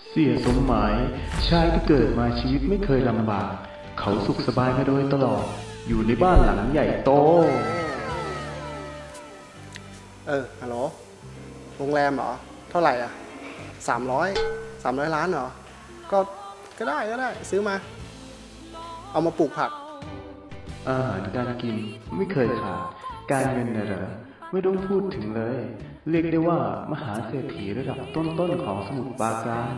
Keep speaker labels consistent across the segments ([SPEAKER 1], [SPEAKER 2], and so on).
[SPEAKER 1] เสียสมหมายชายที่เกิดมาชีวิตไม่เคยลำบากเขาสุขสบายมาโดยตลอดอยู่ในบ้านหลังใหญ่โต
[SPEAKER 2] ฮัลโหลโรงแรมเหรอเท่าไหร่อ่ะ300 ล้านเหรอก็ได้ซื้อมาเอามาปลูกผัก
[SPEAKER 1] อาหารการกินไม่เคยขาดการเงินน่ะเหรอไม่ต้องพูดถึงเลยเรียกได้ว่ามหาเศรษฐีระดับต้นๆของสมุทรปราการ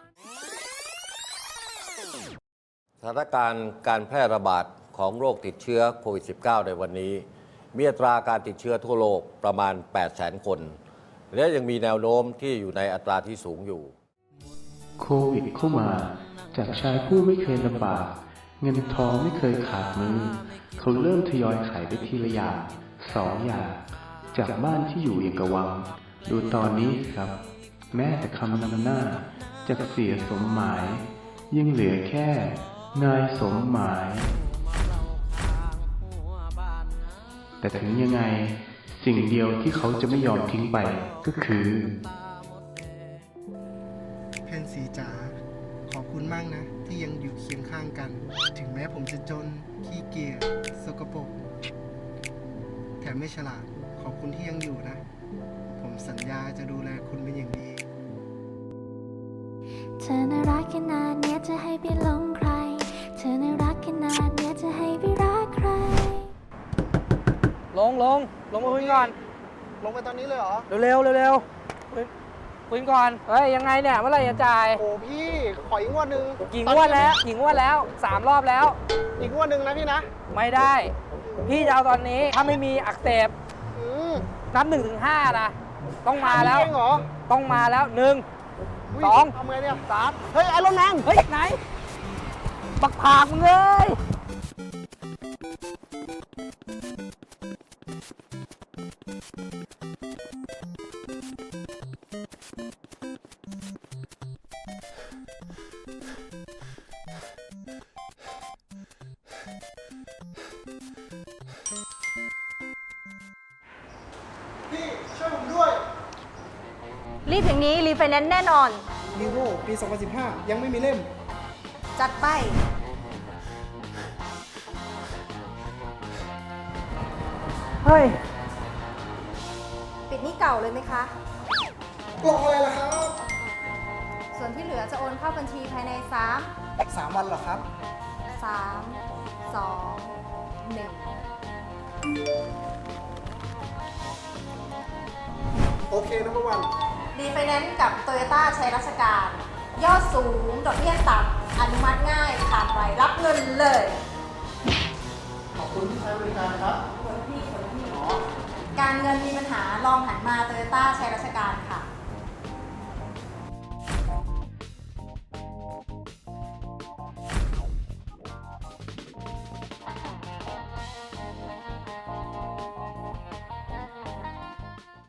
[SPEAKER 3] สถานการณ์การแพร่ระบาดของโรคติดเชื้อโควิด -19 ในวันนี้มีอัตราการติดเชื้อทั่วโลกประมาณ 800,000 คน และยังมีแนวโน้มที่อยู่ในอัตราที่สูงอยู่
[SPEAKER 1] โควิดเข้ามาจากชายผู้ไม่เคยลำบากเงินทองไม่เคยขาดมือเขาเริ่มทยอยขายไปทีละอย่าง2 อย่างจากบ้านที่อยู่เอกวังดูตอนนี้ครับแม้แต่คำนำหน้าจากเสียสมหมายยังเหลือแค่นายสมหมายแต่ถึงยังไงสิ่งเดียวที่เขาจะไม่ยอมทิ้งไปก็คือ
[SPEAKER 2] แพนสีจ๋าขอบคุณมากนะที่ยังอยู่เคียงข้างกันถึงแม้ผมจะจนขี้เกียจสกปรกแถมไม่ฉลาดขอบคุณที่ยังอยู่นะผมสัญญาจะดูแลคุณเป็นอย่างดี
[SPEAKER 4] เธอน่ารักขนาดเนี้ยจะให้ไปหลงใครเธอน่ารักขนาดเนี้ยจะให้ไปรักใคร
[SPEAKER 5] ลงมาคุยก่อน
[SPEAKER 2] ลงไปตอนนี้เลยเหรอ
[SPEAKER 5] เร็วคุยก่อนเฮ้ยยังไงเนี่ยเมื่อไหร่จะจ่าย
[SPEAKER 2] โอ้พี่ขออีกงวดนึง
[SPEAKER 5] กี่งวดแล้ว3 รอบแล้ว
[SPEAKER 2] อีกงวดนึงนะพี่นะ
[SPEAKER 5] ไม่ได้พี่จะเอาตอนนี้ถ้าไม่มีอักเสบนับ1 ถึง 5นะต้องมาแล้วต้องมาแล้ว1 2
[SPEAKER 2] ทำไงเนี่ย
[SPEAKER 5] 3
[SPEAKER 2] เฮ้ยไอรอนแมน
[SPEAKER 5] เฮ้ยไหนบักผากมึงเลย
[SPEAKER 2] พี่ช่วยผมด้วย
[SPEAKER 6] รีบอย่างนี้รีไฟแนนซ์แน่นอน
[SPEAKER 2] ลีโวปี 2015 ยังไม่มีเล่ม
[SPEAKER 6] จัดไป
[SPEAKER 5] เฮ้ย
[SPEAKER 6] ปิดหนี้เก่าเลยไหมคะ
[SPEAKER 2] กล่องอะไรล่ะครับ
[SPEAKER 6] ส่วนที่เหลือจะโอนเข้าบัญชีภายใน
[SPEAKER 2] 3 วันเหรอครับ
[SPEAKER 6] 3 2 1
[SPEAKER 2] โอเคนะพ่อวัน
[SPEAKER 6] รีไฟแนนซ์กับโตโยต้าใช้ราชการยอดสูงดอกเบี้ยต่ำอนุมัติง่ายผ่านไวรับเงินเลย
[SPEAKER 2] ขอบคุณที่ใช้บริการครับ
[SPEAKER 6] คนพี่การเงินมีปัญหาลองหันมาโตโยต้าใช้ราช